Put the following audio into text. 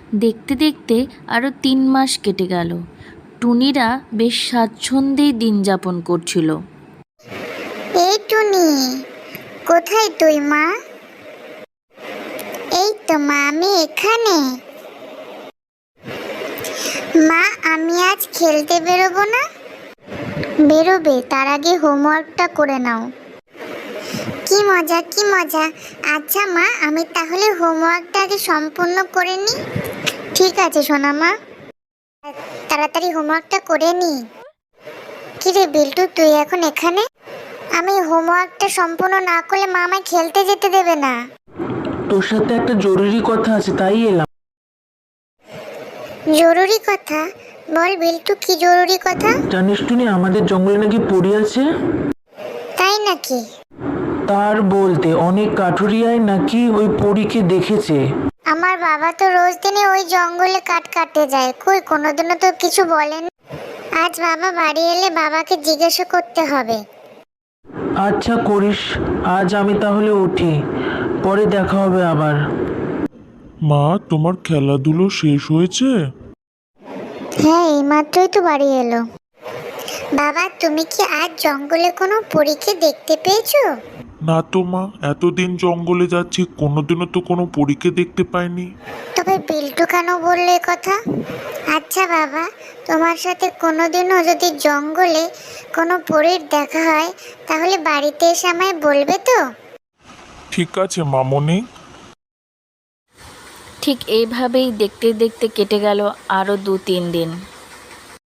দেখতে দেখতে আরও 3 মাস কেটে গেল। টুনিরা বেশ স্বাচ্ছন্দ্যেই দিন যাপন করছিল। এই টুনি, কোথায় তুই মা? এই তো মা, আমি এখানে। মা, আমি আজ খেলতে বেরোবো না? বেরোবে, তার আগে হোমওয়ার্কটা করে নাও। কি মজা, কি মজা। আচ্ছা মা, আমি তাহলে হোমওয়ার্কটা আগে সম্পূর্ণ করে নিই। ঠিক আছে সোনা মা, তাড়াতাড়ি হোমওয়ার্কটা করে নি। কিরে বিল্টু, তুই এখন এখানে? আমি হোমওয়ার্কটা সম্পূর্ণ না করলে মা আমায় খেলতে যেতে দেবে না। তোর সাথে একটা জরুরি কথা আছে, তাই এলাম। জরুরি কথা? বল বিল্টু, কি জরুরি কথা? জানিস টুনি, আমাদের জঙ্গলে নাকি পড়ি আছে। তাই নাকি? তার বলতে অনেক কাঠুরিয়ায় নাকি ওই পরীকে দেখেছে। আমার বাবা তো রোজ দিনে ওই জঙ্গলে কাঠ কাটতে যায়, কই কোনোদিনও তো কিছু বলেন। আজ বাবা বাড়ি এলে বাবাকে জিজ্ঞাসা করতে হবে। আচ্ছা করিস, আজ আমি তাহলে উঠি, পরে দেখা হবে আবার। মা, তোমার খেলাধুলো শেষ হয়েছে? হ্যাঁ, এইমাত্রই তো বাড়ি এলো। বাবা, তুমি কি আজ জঙ্গলে কোনো পরীকে দেখতে পেয়েছো? না তো মা, এতদিন জঙ্গলে যাচ্ছি, কোনোদিনও তো কোনো পরীকে দেখতে পাইনি। তবে বিল্টু কেন বললো এ কথা? আচ্ছা বাবা, তোমার সাথে কোনোদিনও যদি জঙ্গলে কোনো পরীর দেখা হয় তাহলে বাড়িতে এসে আমায় বলবে তো? ঠিক আছে মামনি। ঠিক এইভাবেই দেখতে দেখতে কেটে গেল আরও 2-3 দিন।